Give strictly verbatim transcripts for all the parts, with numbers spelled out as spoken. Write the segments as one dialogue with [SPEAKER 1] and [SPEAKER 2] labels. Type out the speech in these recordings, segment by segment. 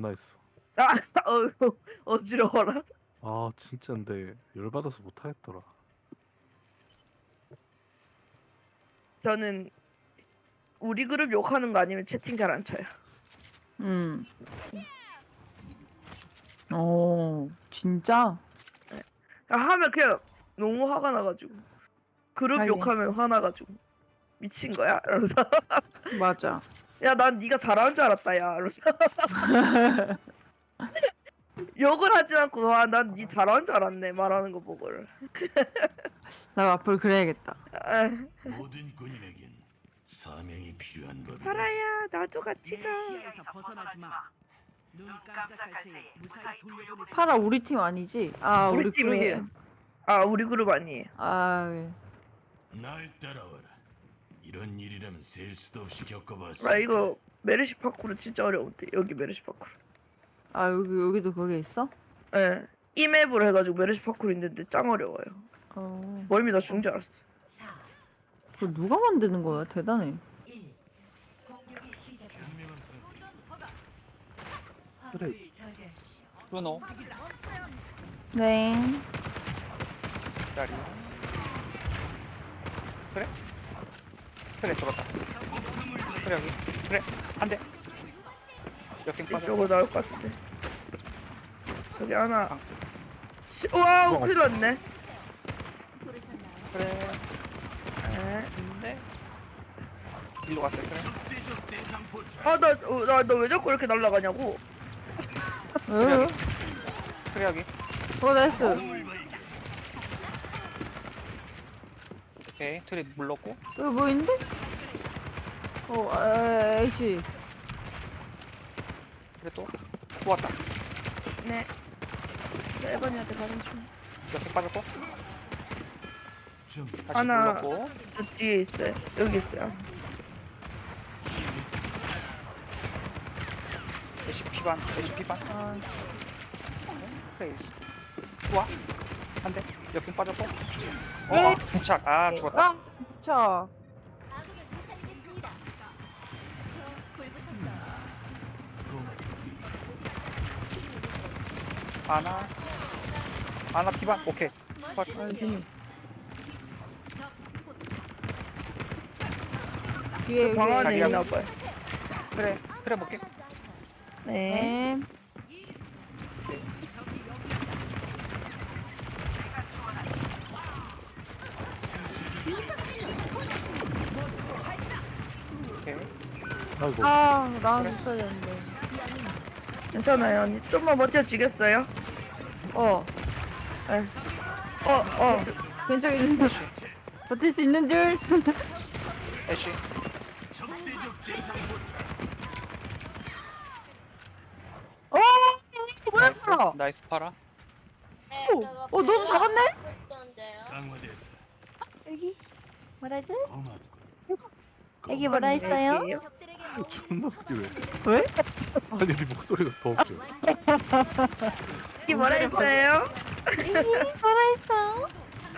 [SPEAKER 1] 존나 했어.
[SPEAKER 2] 아, 어휴, 어지러워라.
[SPEAKER 1] 아 진짜인데 열받아서 못하겠더라.
[SPEAKER 2] 저는 우리 그룹 욕하는 거 아니면 채팅 잘 안 쳐요.
[SPEAKER 3] 음. 오, 진짜?
[SPEAKER 2] 하면 그냥 너무 화가 나가지고 그룹
[SPEAKER 3] 하긴.
[SPEAKER 2] 욕하면 화나가지고 미친 거야? 이러면서
[SPEAKER 3] 맞아.
[SPEAKER 2] 야, 난 네가 잘하는 줄 알았다, 야. 이러면서 욕을 하진 않고 와, 난 네 잘하는 줄 알았네 말하는 거 보고를.
[SPEAKER 3] 나 앞으로 그래야겠다.
[SPEAKER 2] 아,
[SPEAKER 4] 모든 군인에겐 사명이 필요한 법이다.
[SPEAKER 2] 파라야, 나도 같이 가.
[SPEAKER 5] 시야에서 벗어나지 마. 눈 깜짝할 새에 무사히 돌려보내.
[SPEAKER 3] 파라 우리 팀 아니지? 아, 우리,
[SPEAKER 2] 우리 팀이에요.
[SPEAKER 3] 그룹이에요.
[SPEAKER 2] 아, 우리 그룹 아니에요.
[SPEAKER 3] 아, 예.
[SPEAKER 4] 날 따라와라. 이런 일이라면 셀 수도 없이 겪어봤어.
[SPEAKER 2] 아, 이거 메르시 파쿠르 진짜 어려운데. 여기 메르시 파쿠르.
[SPEAKER 3] 아, 여기, 여기도 거기 있어?
[SPEAKER 2] 예. 이 맵으로 해가지고 메르시 파쿠르 있는데 짱 어려워요.
[SPEAKER 3] 어.
[SPEAKER 2] 멀미 나 죽은 줄 알았어.
[SPEAKER 3] 그거 누가 만드는 거야? 대단해.
[SPEAKER 1] 그래.
[SPEAKER 6] 브루노
[SPEAKER 3] 네.
[SPEAKER 6] 기다려. 그래? 그래 죽었다. 그래 여기. 그래 안돼. 역행 빠져.
[SPEAKER 2] 이쪽으로 나올 것 같은데. 저기 하나.
[SPEAKER 6] 아.
[SPEAKER 2] 시... 와우, 큰일 났네.
[SPEAKER 6] 그래
[SPEAKER 2] 에.
[SPEAKER 6] 안돼. 일로 갔어요. 그래.
[SPEAKER 2] 아, 나, 어, 나, 너 왜 자꾸 이렇게 날아가냐고.
[SPEAKER 3] 어,
[SPEAKER 6] 그래 여기.
[SPEAKER 3] 어, 나이스.
[SPEAKER 6] 오케이 트리 물렀고.
[SPEAKER 3] 여기 뭐 있는데? 어, 아, 에이씨.
[SPEAKER 6] 그래 또 좋았다.
[SPEAKER 2] 네. 나 에반이한테 가는 중.
[SPEAKER 6] 역행 빠졌고.
[SPEAKER 4] 좀
[SPEAKER 6] 다시
[SPEAKER 2] 하나.
[SPEAKER 6] 물렀고.
[SPEAKER 2] 저 뒤에 있어요. 여기 있어요.
[SPEAKER 6] 에시피 반. 에시피 반.
[SPEAKER 3] 아,
[SPEAKER 6] 그래. 좋아. 안돼. 역행 빠졌고.
[SPEAKER 3] 에이.
[SPEAKER 6] 어. 부착. 아 죽었다.
[SPEAKER 3] 아, 자.
[SPEAKER 6] 아나. 아나 피반. 오케이.
[SPEAKER 3] 아, 괜히. 뒤에
[SPEAKER 2] 방 안에
[SPEAKER 6] 자기야.
[SPEAKER 2] 있나 봐요.
[SPEAKER 6] 그래. 그래 볼게.
[SPEAKER 2] 네.
[SPEAKER 3] 네.
[SPEAKER 6] 오케이.
[SPEAKER 1] 아이고.
[SPEAKER 3] 아, 나한테 써야 되는데.
[SPEAKER 2] 괜찮아요, 언니. 좀만 버텨지겠어요?
[SPEAKER 3] 어,
[SPEAKER 2] 네. 어, 어.
[SPEAKER 3] 괜찮겠는데.
[SPEAKER 6] 에쉬.
[SPEAKER 3] 버틸 수 있는 줄.
[SPEAKER 6] 에쉬.
[SPEAKER 3] 어, 뭐야?
[SPEAKER 6] 나이스. 나이스 파라.
[SPEAKER 3] 어, 어, 너도 잡았네?
[SPEAKER 4] 강화됐다.
[SPEAKER 3] 여기 뭐라고?
[SPEAKER 4] 고맙고.
[SPEAKER 3] 여기 뭐라 했어요?
[SPEAKER 2] 여기에요?
[SPEAKER 1] 존나 웃기네.
[SPEAKER 3] 왜?
[SPEAKER 1] 아니 네 목소리가 더 웃겨.
[SPEAKER 2] 여기 뭐라 했어요?
[SPEAKER 3] 여기 뭐라 했어?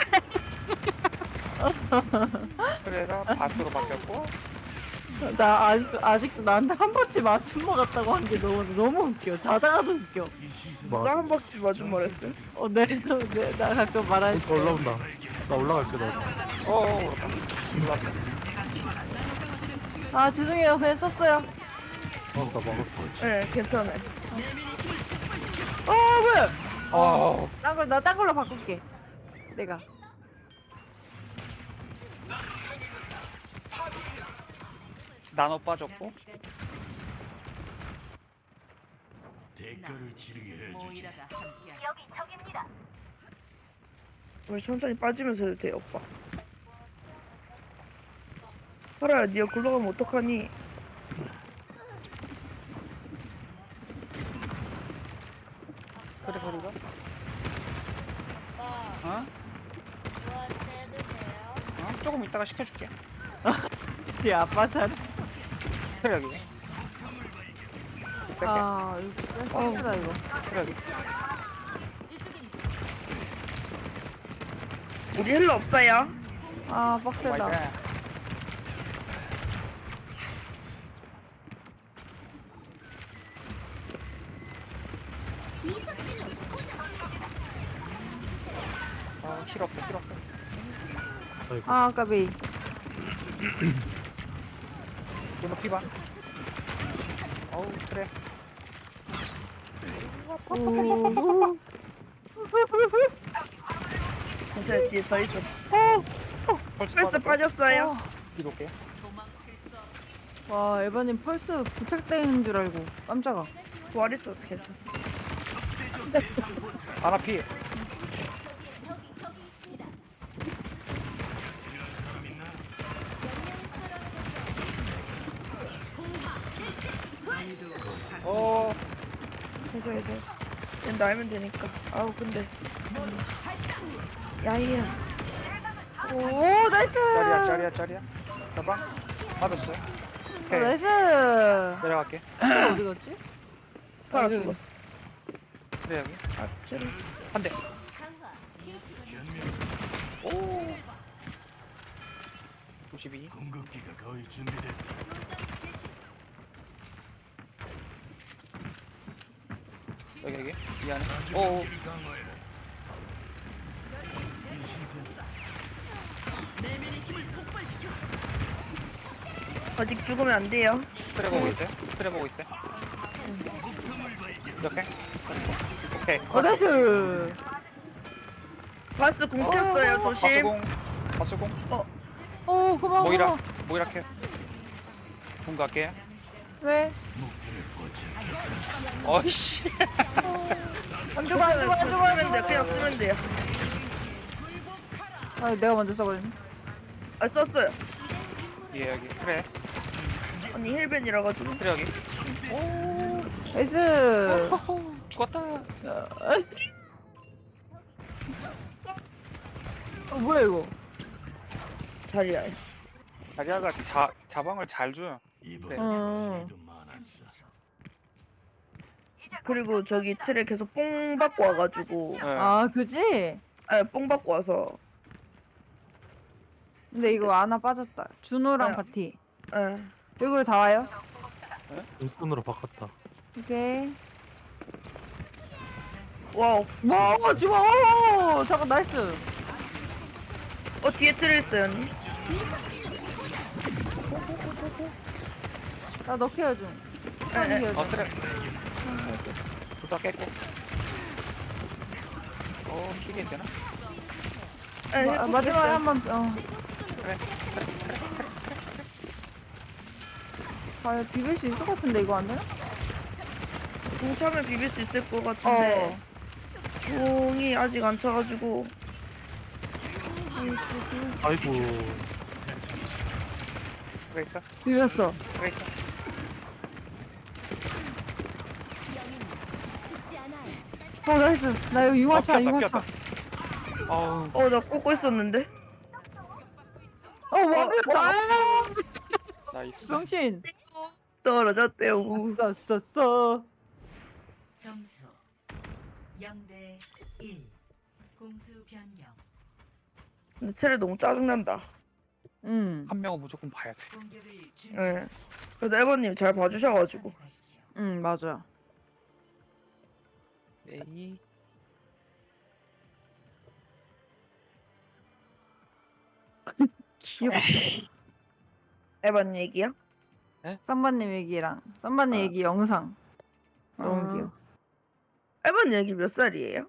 [SPEAKER 6] 그래서 바스로 바뀌었고.
[SPEAKER 3] 나 아직도 아직도 나한테 한 번쯤 맞춘 것 같다고 한 게 너무 너무 웃겨. 자다가도 웃겨.
[SPEAKER 2] 누가 한 바퀴 맞은 말했어요?
[SPEAKER 3] 어, 네, 네, 나 가끔 말할 때.
[SPEAKER 1] 올라온다. 나 올라갈게 나.
[SPEAKER 6] 어어. 올랐어.
[SPEAKER 3] 아, 죄송해요. 그냥 썼어요.
[SPEAKER 1] 어, 나 막았어.
[SPEAKER 2] 네, 괜찮아요.
[SPEAKER 3] 어, 뭐야?
[SPEAKER 6] 어.
[SPEAKER 3] 딴 걸, 나 딴 걸로 바꿀게. 내가.
[SPEAKER 6] 나노 빠졌고.
[SPEAKER 4] 대가를 치르게 해주지.
[SPEAKER 5] 모이라가 함께.
[SPEAKER 2] 우리 천천히 빠지면서 해도 돼, 오빠. 파라야, 니가 굴러가면 어떡하니?
[SPEAKER 6] 그래 버리가.
[SPEAKER 7] 아빠,
[SPEAKER 6] 어?
[SPEAKER 7] 저한테 해도 돼요?
[SPEAKER 6] 어? 조금 이따가 시켜줄게.
[SPEAKER 3] 네 아빠 잘.
[SPEAKER 6] 그래 여기. 뺄게.
[SPEAKER 3] 아, 이거 쎄다 이거.
[SPEAKER 6] 그래 여기.
[SPEAKER 2] 우리 힐러 없어요?
[SPEAKER 3] 아, 빡세다.
[SPEAKER 6] 와이드. 힐 없어 힐 없어.
[SPEAKER 1] 아이고.
[SPEAKER 3] 아 까비.
[SPEAKER 6] 이거 피반. 어우 트레.
[SPEAKER 3] 오.
[SPEAKER 2] 괜찮아, 뒤에 더 있었어.
[SPEAKER 6] 펄스
[SPEAKER 2] 펄스 빠졌어요.
[SPEAKER 6] 뒤로 올게요.
[SPEAKER 3] 와 에바님 펄스 부착되는 줄 알고 깜짝아.
[SPEAKER 2] 부활 있었어, 괜찮아.
[SPEAKER 6] 아나 피. 어
[SPEAKER 2] 괜찮아, 괜찮아. 얜 알면 되니까. 아우, 근데. 야이야.
[SPEAKER 3] 오 나이스.
[SPEAKER 6] 짜리야 짜리야 짜리야. 가방 맞았어.
[SPEAKER 3] 어,
[SPEAKER 6] 오케이
[SPEAKER 3] 나이스.
[SPEAKER 6] 내려갈게.
[SPEAKER 3] 어디 갔지?
[SPEAKER 2] 팔아
[SPEAKER 3] 여기.
[SPEAKER 2] 죽었어.
[SPEAKER 6] 그래 여기
[SPEAKER 2] 아, 찌르.
[SPEAKER 6] 한 대. 오. 구십이.
[SPEAKER 4] 궁극기가 거의 준비됐다.
[SPEAKER 6] 여기 여기 이 안에. 오.
[SPEAKER 2] 아직 죽으면 안 돼요.
[SPEAKER 6] 트레 보고 있어요. 트레 보고 있어요. 이렇게. 오케이.
[SPEAKER 3] 어 나이스.
[SPEAKER 2] 바스 궁 켰어요, 조심.
[SPEAKER 6] 바스공. 바스공.
[SPEAKER 3] 오 고마워.
[SPEAKER 6] 모이라.
[SPEAKER 3] 고마워.
[SPEAKER 6] 모이라 캐. 공 갈게요.
[SPEAKER 3] 왜?
[SPEAKER 6] 어이씨.
[SPEAKER 3] 안 죽어 안 죽어 안 죽어 안
[SPEAKER 2] 쓰면 돼,
[SPEAKER 3] 죽어.
[SPEAKER 2] 그냥 쓰면 돼요.
[SPEAKER 3] 아 내가 먼저 써버렸네.
[SPEAKER 2] 아, 썼어요.
[SPEAKER 6] 예 여기. 그래.
[SPEAKER 2] 언니 힐벤이라 가지고.
[SPEAKER 6] 그래 여기. 오.
[SPEAKER 3] 나이스.
[SPEAKER 6] 죽었다.
[SPEAKER 3] 어 뭐야 이거?
[SPEAKER 2] 자리야.
[SPEAKER 6] 자리아가 자 자방을 잘 줘요.
[SPEAKER 4] 이번에
[SPEAKER 3] 어.
[SPEAKER 4] 실도 많았어.
[SPEAKER 2] 그리고 저기 틀에 계속 뽕 받고 와가지고.
[SPEAKER 6] 예.
[SPEAKER 3] 아 그지?
[SPEAKER 2] 아, 뽕 받고 와서.
[SPEAKER 3] 근데 이거 아나 빠졌다. 준호랑
[SPEAKER 2] 네.
[SPEAKER 3] 바티.
[SPEAKER 2] 예.
[SPEAKER 3] 여기로 다 와요?
[SPEAKER 1] 눈선으로 바꿨다.
[SPEAKER 3] 오케이.
[SPEAKER 2] 와우.
[SPEAKER 3] 와 좋아. 잠깐 나이스.
[SPEAKER 2] 어, 뒤에 틀에 있어요, 언니.
[SPEAKER 3] 나 너 케어 좀. 빨리
[SPEAKER 2] 네,
[SPEAKER 3] 케어
[SPEAKER 6] 어
[SPEAKER 3] 좀.
[SPEAKER 6] 트레. 둘다 깼고. 어 킬이 되나?
[SPEAKER 2] 예,
[SPEAKER 3] 마,
[SPEAKER 2] 힐
[SPEAKER 3] 마지막에
[SPEAKER 2] 뺐어요.
[SPEAKER 3] 한번 어.
[SPEAKER 6] 그래.
[SPEAKER 3] 아 비빌 수 있을 것 같은데 이거 안 되나?
[SPEAKER 2] 궁 차면 비빌 수 있을 것 같은데.
[SPEAKER 3] 어.
[SPEAKER 2] 궁이 아직 안 차가지고.
[SPEAKER 1] 아이고.
[SPEAKER 6] 그래 있어.
[SPEAKER 3] 비볐어.
[SPEAKER 6] 그래 있어.
[SPEAKER 3] 어 나이스. 나 이거
[SPEAKER 6] 어
[SPEAKER 3] 융화차
[SPEAKER 6] 피었다
[SPEAKER 3] 융화차.
[SPEAKER 6] 피었다. 어우.
[SPEAKER 2] 어, 나 꽂고 있었는데.
[SPEAKER 3] 어 뭐야?
[SPEAKER 6] 나이스.
[SPEAKER 3] 정신.
[SPEAKER 2] 떨어졌대요.
[SPEAKER 3] 아싸 싸.
[SPEAKER 5] 점수 영 대 일. 공수 변경.
[SPEAKER 2] 근데 틀에 너무 짜증난다.
[SPEAKER 3] 응.
[SPEAKER 6] 한 명은 무조건 봐야 돼.
[SPEAKER 5] 공격을 준비.
[SPEAKER 2] 예. 그래도 에버님 잘 봐주셔가지고.
[SPEAKER 3] 응 맞아.
[SPEAKER 6] 에이.
[SPEAKER 3] 귀여워.
[SPEAKER 2] 에버님 얘기요?
[SPEAKER 3] 쌈바님 얘기랑 쌈바님
[SPEAKER 2] 아.
[SPEAKER 3] 얘기 영상 너무
[SPEAKER 2] 아.
[SPEAKER 3] 귀여워.
[SPEAKER 2] 에버님 얘기 몇 살이에요?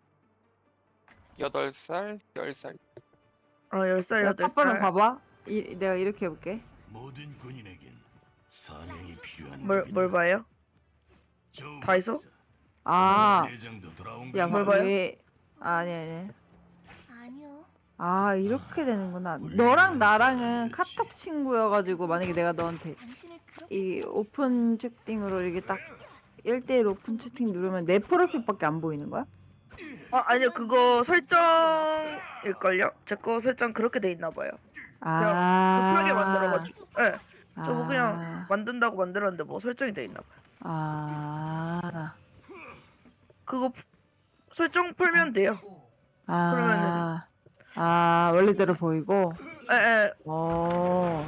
[SPEAKER 6] 여덟 살, 열 살.
[SPEAKER 2] 아, 열 살,
[SPEAKER 3] 야,
[SPEAKER 2] 여덟
[SPEAKER 3] 아빠는
[SPEAKER 2] 살.
[SPEAKER 3] 봐봐. 이, 내가 이렇게 해볼게.
[SPEAKER 4] 모든 군인에겐 사명이 필요한
[SPEAKER 2] 뭘, 뭘 봐요? 다이소?
[SPEAKER 3] 아,
[SPEAKER 4] 내장도 돌아온
[SPEAKER 3] 야,
[SPEAKER 2] 뭘
[SPEAKER 3] 뭐,
[SPEAKER 2] 봐요?
[SPEAKER 3] 왜? 아니 아니.
[SPEAKER 7] 아니요.
[SPEAKER 3] 아 이렇게 되는구나.
[SPEAKER 4] 우리
[SPEAKER 3] 너랑 나랑은
[SPEAKER 4] 그렇지.
[SPEAKER 3] 카톡 친구여가지고 만약에 내가 너한테
[SPEAKER 7] 당신을 그렇게
[SPEAKER 3] 이 오픈 채팅으로 이렇게 딱 일 대일 오픈 채팅 누르면 내 프로필밖에 안 보이는 거야?
[SPEAKER 2] 아, 아니요. 그거 설정일걸요? 제 거 설정 그렇게 돼 있나 봐요.
[SPEAKER 3] 아,
[SPEAKER 2] 급하게 만들어가지고. 예. 저거
[SPEAKER 3] 아.
[SPEAKER 2] 그냥 만든다고 만들었는데 뭐 설정이 돼 있나 봐요.
[SPEAKER 3] 아,
[SPEAKER 2] 그거 푸- 설정 풀면 돼요.
[SPEAKER 3] 아,
[SPEAKER 2] 그러면은-
[SPEAKER 3] 아 원래대로 보이고.
[SPEAKER 2] 예, 예.
[SPEAKER 3] 어.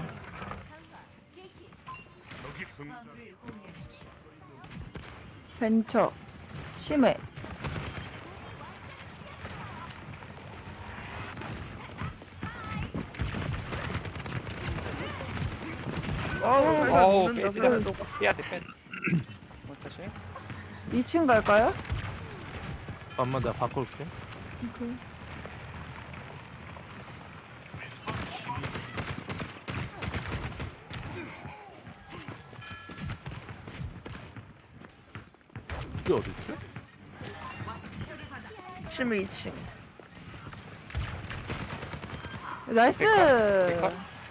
[SPEAKER 3] 벤처 심해.
[SPEAKER 2] 살살
[SPEAKER 6] 어우,
[SPEAKER 2] 녹는다
[SPEAKER 6] 빼야
[SPEAKER 2] 살살
[SPEAKER 6] 돼.
[SPEAKER 2] 녹아.
[SPEAKER 6] 빼야 돼, 빼야 돼. 어떡하지?
[SPEAKER 3] 이 층 갈까요?
[SPEAKER 1] 잠깐만 내가 바꿀게. 이게 어딨지?
[SPEAKER 2] 심해 이 층.
[SPEAKER 3] 나이스.
[SPEAKER 6] 백화?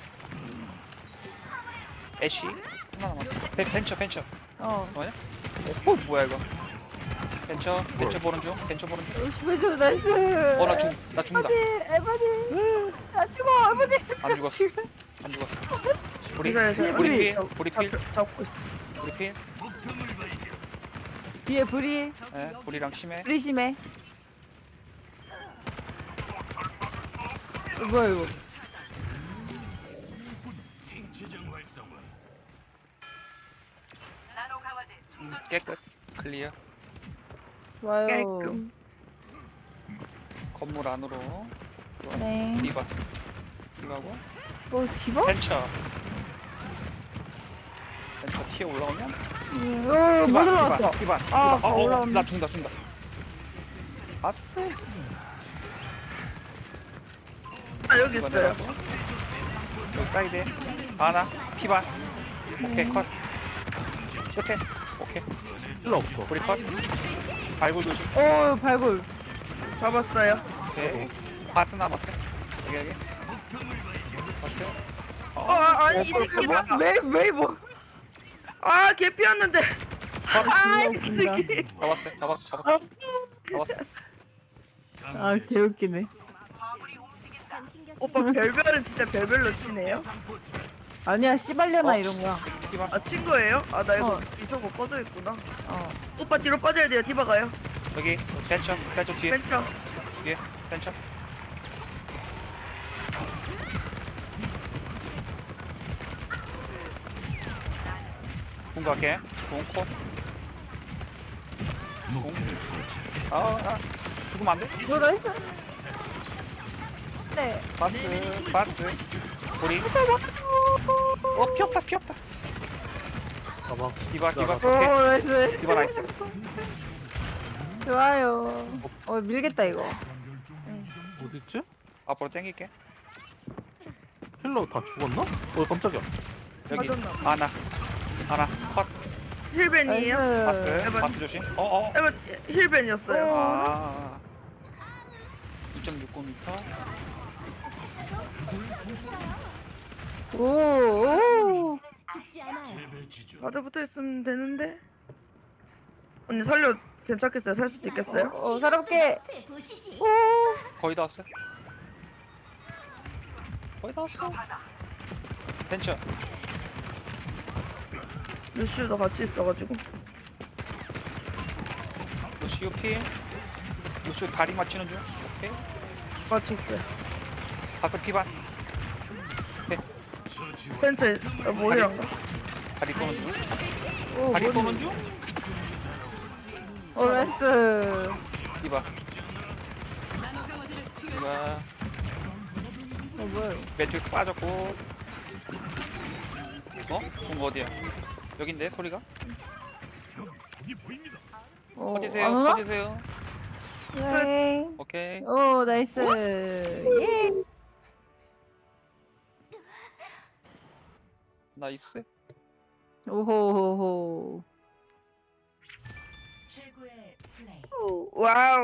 [SPEAKER 6] 애쉬? 하나 남았다. 벤, 벤처, 벤처.
[SPEAKER 3] 어.
[SPEAKER 6] 뭐냐? 어, 뭐야, 이거. 벤처, 벤처 보는 중, 벤처 보는 중.
[SPEAKER 3] 왼쪽 나이스.
[SPEAKER 6] 어, 나 죽, 나 죽는다.
[SPEAKER 3] 에바디, 에바디. 안 죽어, 에바디.
[SPEAKER 6] 안 죽었어. 안 죽었어. 우리,
[SPEAKER 2] 이사에서
[SPEAKER 6] 우리 필,
[SPEAKER 2] 잡-
[SPEAKER 6] 우리 필,
[SPEAKER 2] 잡- 잡고 있어.
[SPEAKER 6] 우리 필.
[SPEAKER 3] 뒤에 불이,
[SPEAKER 6] 예, 우리랑 심해.
[SPEAKER 3] 불이 심해. 어, 뭐야 이거?
[SPEAKER 4] 생체장 활성화.
[SPEAKER 6] 음, 깨끗. 클리어.
[SPEAKER 3] 좋아요.
[SPEAKER 2] 깔끔.
[SPEAKER 6] 건물 안으로. 들어왔어.
[SPEAKER 3] 네.
[SPEAKER 6] 디바. 디바고.
[SPEAKER 3] 어, 디바?
[SPEAKER 6] 벤처. 벤처 티에 올라오면.
[SPEAKER 3] 음, 어, 못
[SPEAKER 6] 디바,
[SPEAKER 3] 올라왔어.
[SPEAKER 6] 디바, 디바.
[SPEAKER 3] 아,
[SPEAKER 6] 디바. 어, 어,
[SPEAKER 3] 올라왔네.
[SPEAKER 6] 나 죽는다, 죽는다. 아쎄.
[SPEAKER 2] 아 여기
[SPEAKER 6] 이거
[SPEAKER 2] 있어요.
[SPEAKER 6] 내려가고. 여기 사이드에. 아나. 티바. 오케이, 컷. 끝에. 오케이.
[SPEAKER 1] 필요 없어.
[SPEAKER 6] 우리 컷. 발굴 조심.
[SPEAKER 3] 어, 발굴.
[SPEAKER 2] 잡았어요.
[SPEAKER 6] 오케이. 바스 남았어요. 여기, 여기. 봤어요?
[SPEAKER 2] 어 아, 아니 이 새끼다.
[SPEAKER 3] 왜, 왜 뭐?
[SPEAKER 2] 아 개피였는데.
[SPEAKER 6] 컷.
[SPEAKER 2] 아이 새끼.
[SPEAKER 6] 잡았어요. 잡았어, 잡았어. 잡았어.
[SPEAKER 3] 아, 개웃기네.
[SPEAKER 2] 오빠 별별은 진짜 별별로 치네요.
[SPEAKER 3] 아니야, 씨발려나
[SPEAKER 6] 어.
[SPEAKER 3] 이런 거야.
[SPEAKER 6] 디바.
[SPEAKER 2] 아 친거예요? 아 나 이거
[SPEAKER 3] 어.
[SPEAKER 2] 이소거 꺼져 있구나.
[SPEAKER 3] 어.
[SPEAKER 2] 오빠 뒤로 빠져야 돼요. 디바 가요.
[SPEAKER 6] 여기. 벤처. 벤처 뒤에.
[SPEAKER 2] 벤처.
[SPEAKER 6] 뒤에. 벤처. 공격할게. 공코. 공. 아, 아. 죽으면 안 돼?
[SPEAKER 3] 이거로 했어? 네.
[SPEAKER 6] 바스. 바스. 우리. 어, 피 없다, 피 없다.
[SPEAKER 1] 가봐.
[SPEAKER 6] 디바, 디바.
[SPEAKER 3] 오,
[SPEAKER 6] 오케이.
[SPEAKER 3] 나이스.
[SPEAKER 6] 디바 나이스.
[SPEAKER 3] 좋아요. 어, 밀겠다, 이거.
[SPEAKER 1] 어딨지?
[SPEAKER 6] 앞으로 당길게.
[SPEAKER 1] 힐러 다 죽었나? 어 깜짝이야.
[SPEAKER 6] 여기.
[SPEAKER 2] 맞았나?
[SPEAKER 6] 아나. 아나. 컷.
[SPEAKER 2] 힐벤이에요?
[SPEAKER 6] 바스.
[SPEAKER 2] 에반.
[SPEAKER 6] 바스 조심. 어, 어.
[SPEAKER 2] 에반 힐벤이었어요.
[SPEAKER 6] 아. 이 점 육구 미터.
[SPEAKER 3] 오, 오.
[SPEAKER 7] 죽지 않아요.
[SPEAKER 4] 재배 지점.
[SPEAKER 2] 바드 붙어 있으면 되는데. 언니 살려 괜찮겠어요? 살 수도 있겠어요?
[SPEAKER 3] 어, 사람께.
[SPEAKER 7] 앞에 보시지.
[SPEAKER 3] 오.
[SPEAKER 6] 거의 다 왔어요. 거의 다 왔어. 벤처.
[SPEAKER 2] 루시우도 같이 있어가지고.
[SPEAKER 6] 루시오 피. 루시오 다리 맞추는 중. 오케이.
[SPEAKER 2] 맞췄어요.
[SPEAKER 6] 바스 피반.
[SPEAKER 2] 벤처 어, 뭐이란가?
[SPEAKER 6] 다리 쏘는 중.
[SPEAKER 3] 오,
[SPEAKER 6] 다리
[SPEAKER 3] 머리.
[SPEAKER 6] 쏘는 중.
[SPEAKER 3] 오, 나이스.
[SPEAKER 6] 디바. 디바.
[SPEAKER 3] 어, 뭐야, 이거.
[SPEAKER 6] 매트릭스 빠졌고. 어? 공 어디야? 여긴데 소리가?
[SPEAKER 3] 어,
[SPEAKER 6] 어디세요?
[SPEAKER 3] 안 오나?
[SPEAKER 6] 어디세요?
[SPEAKER 3] 네.
[SPEAKER 6] 오케이.
[SPEAKER 3] 오, 나이스. 예.
[SPEAKER 6] 나이스.
[SPEAKER 3] 오호호호.
[SPEAKER 5] 최고의 플레이.
[SPEAKER 2] 와우.